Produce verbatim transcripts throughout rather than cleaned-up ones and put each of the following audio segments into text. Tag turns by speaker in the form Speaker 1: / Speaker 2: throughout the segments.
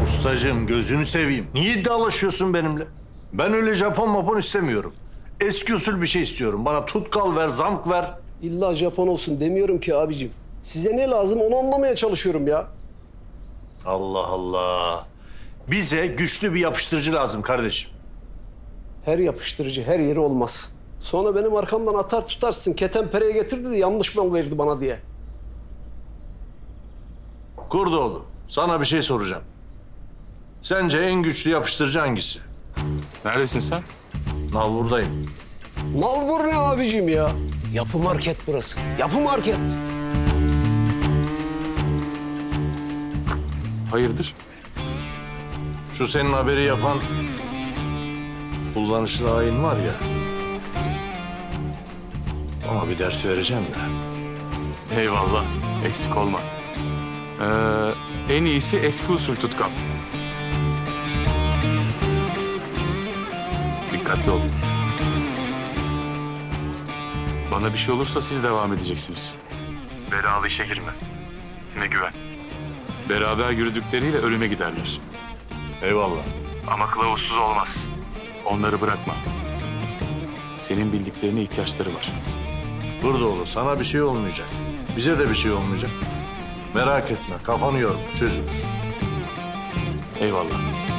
Speaker 1: Ustacığım gözünü seveyim. Niye iddialaşıyorsun benimle? Ben öyle Japon mapon istemiyorum. Eski usul bir şey istiyorum. Bana tutkal ver, zamk ver.
Speaker 2: İlla Japon olsun demiyorum ki abicim. Size ne lazım onu anlamaya çalışıyorum ya.
Speaker 1: Allah Allah. Bize güçlü bir yapıştırıcı lazım kardeşim.
Speaker 2: Her yapıştırıcı her yeri olmaz. Sonra benim arkamdan atar tutarsın. Ketenpere'ye getirdi de yanlış mal verdi bana diye.
Speaker 1: Kurdoğlu, sana bir şey soracağım. Sence en güçlü yapıştırıcı hangisi?
Speaker 3: Neredesin sen?
Speaker 1: Al buradayım.
Speaker 2: Nalbur ne abicim ya? Yapı market burası. Yapı market.
Speaker 3: Hayırdır?
Speaker 1: Şu senin haberi yapan kullanışlı hain var ya. Ama bir ders vereceğim de.
Speaker 3: Eyvallah, eksik olma. Ee, en iyisi eski usul tutkal. Dikkatli olun. Bana bir şey olursa siz devam edeceksiniz. Belalı işe girme. Kime güven. Beraber yürüdükleriyle ölüme giderler.
Speaker 1: Eyvallah.
Speaker 3: Ama kılavuzsuz olmaz. Onları bırakma. Senin bildiklerine ihtiyaçları var.
Speaker 1: Kurdoğlu, sana bir şey olmayacak. Bize de bir şey olmayacak. Merak etme, kafanı yorma, çözülür.
Speaker 3: Eyvallah.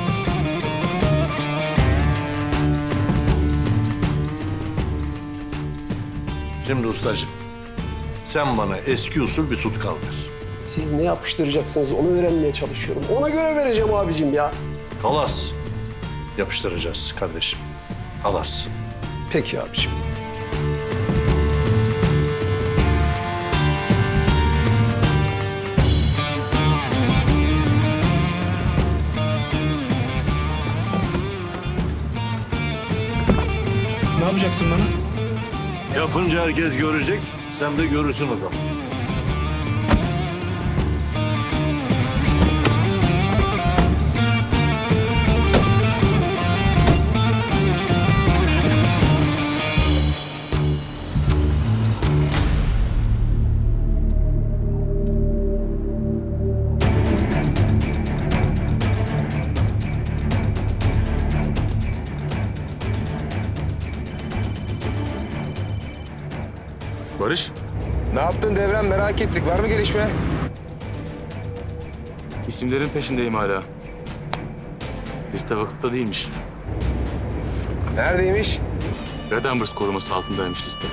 Speaker 1: Şimdi ustacığım, sen bana eski usul bir tutkal ver.
Speaker 2: Siz ne yapıştıracaksınız onu öğrenmeye çalışıyorum. Ona göre vereceğim abicim ya.
Speaker 1: Kalas yapıştıracağız kardeşim. Kalas.
Speaker 2: Peki abicim.
Speaker 4: Ne yapacaksın bana?
Speaker 1: Yapınca herkes görecek, sen de görürsün o zaman.
Speaker 3: Barış,
Speaker 4: Ne yaptın Devrem, merak ettik. Var mı gelişme?
Speaker 3: isimlerin peşindeyim hala. Liste vakıfta değilmiş.
Speaker 4: Neredeymiş?
Speaker 3: Red Ambers koruması altındaymış liste.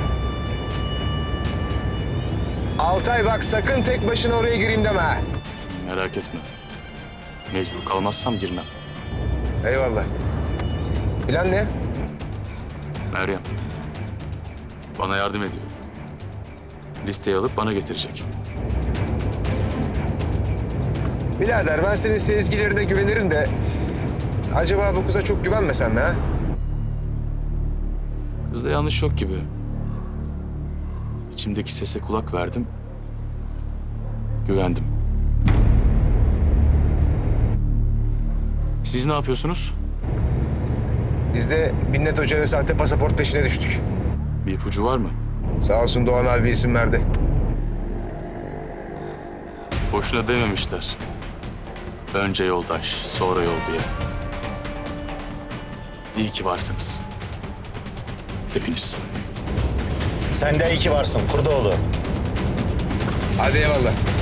Speaker 4: Altay bak, sakın tek başına oraya gireyim deme ha.
Speaker 3: Merak etme. Mecbur kalmazsam girmem.
Speaker 4: Eyvallah. Plan ne?
Speaker 3: Meryem. Bana yardım ediyor. Listeyi alıp bana getirecek.
Speaker 4: Birader, ben senin sezgilerine güvenirim de... acaba bu kıza çok güvenmesem mi ha?
Speaker 3: Kızda yanlış yok gibi. İçimdeki sese kulak verdim. Güvendim. Siz ne yapıyorsunuz?
Speaker 4: Biz de Minnet Hoca'nın sahte pasaport peşine düştük.
Speaker 3: Bir ipucu var mı?
Speaker 4: Sağ olsun Doğan abi isim verdi.
Speaker 3: Boşuna dememişler. Önce yoldaş, sonra yol diye. İyi ki varsınız. Hepiniz.
Speaker 5: Sen de iyi ki varsın Kurdoğlu.
Speaker 4: Hadi eyvallah.